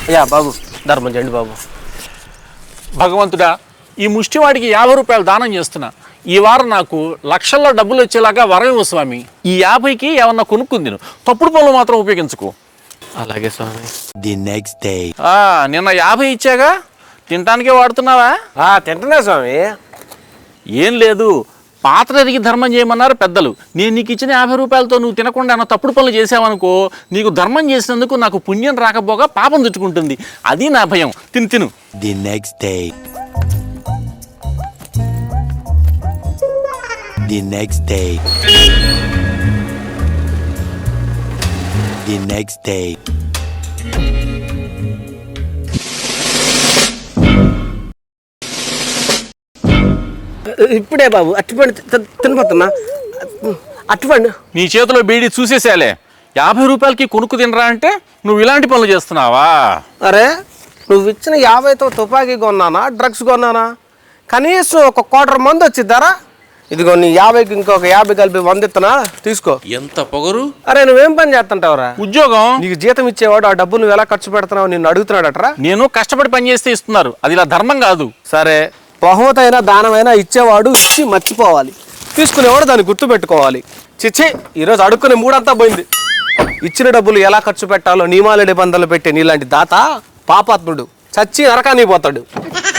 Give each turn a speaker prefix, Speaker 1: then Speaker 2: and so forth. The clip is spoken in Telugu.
Speaker 1: అయ్యా బాబు ధర్మం చేయండి బాబు.
Speaker 2: భగవంతుడా, ఈ ముష్టివాడికి 50 రూపాయలు దానం చేస్తున్నా. ఈ వారం నాకు లక్షల్లో డబ్బులు వచ్చేలాగా వరం ఇవ్వు స్వామి. ఈ 50కి ఏమన్నా కొనుక్కుంది, తప్పుడు పనులు మాత్రం ఉపయోగించుకో.
Speaker 1: అలాగే స్వామి.
Speaker 3: The next day.
Speaker 2: నిన్న 50 ఇచ్చాగా, తినటానికే వాడుతున్నావా?
Speaker 1: తింటున్నా స్వామి.
Speaker 2: ఏం లేదు, పాత్రదికి ధర్మం చేయమన్నారు పెద్దలు. నేను నీకు ఇచ్చిన 50 రూపాయలతో నువ్వు తినకుండా ఏమన్నా తప్పుడు పనులు చేసావనుకో, నీకు ధర్మం చేసినందుకు నాకు పుణ్యం రాకపోగా పాపం చుట్టుకుంటుంది. అది నా భయం. తిను.
Speaker 3: The next day. The next day. The next day.
Speaker 1: ఇప్పుడే బాబు అట్టుపండి తినపోతున్నా. అట్టుపండి
Speaker 2: నీ చేతిలో బీడీ చూసేసేలే. 50 రూపాయలకి కొనుక్కు తినరా అంటే నువ్వు ఇలాంటి పనులు చేస్తున్నావా?
Speaker 1: అరే నువ్వు ఇచ్చిన 50తో తుపాకీ కొన్నానా, డ్రగ్స్ కొన్నానా? కనీసం ఒక క్వార్టర్ మంది వచ్చిద్దారా? ఇదిగో నీ 50కి ఇంకొక 50 కలిపి 100 ఇస్తున్నా, తీసుకో.
Speaker 2: ఎంత పొగరు!
Speaker 1: అరే నువ్వేం పని చేస్తుంటావురా?
Speaker 2: ఉద్యోగం.
Speaker 1: నీకు జీతం ఇచ్చేవాడు ఆ డబ్బు నువ్వు ఎలా ఖర్చు పెడుతున్నావు నిన్ను అడుగుతున్నాడట్రా.
Speaker 2: నేను కష్టపడి పని చేస్తే ఇస్తున్నారు, అది ఇలా ధర్మం కాదు.
Speaker 1: సరే, బహుమతైనా దానమైనా ఇచ్చేవాడు ఇచ్చి మర్చిపోవాలి, తీసుకునేవాడు దాన్ని గుర్తు పెట్టుకోవాలి. చిచ్చి, ఈరోజు అడుక్కునే మూడంతా పోయింది. ఇచ్చిన డబ్బులు ఎలా ఖర్చు పెట్టాలో నియమాల నిబంధనలు పెట్టే నీలాంటి దాత పాపాత్ముడు చచ్చి నరకానికి పోతాడు.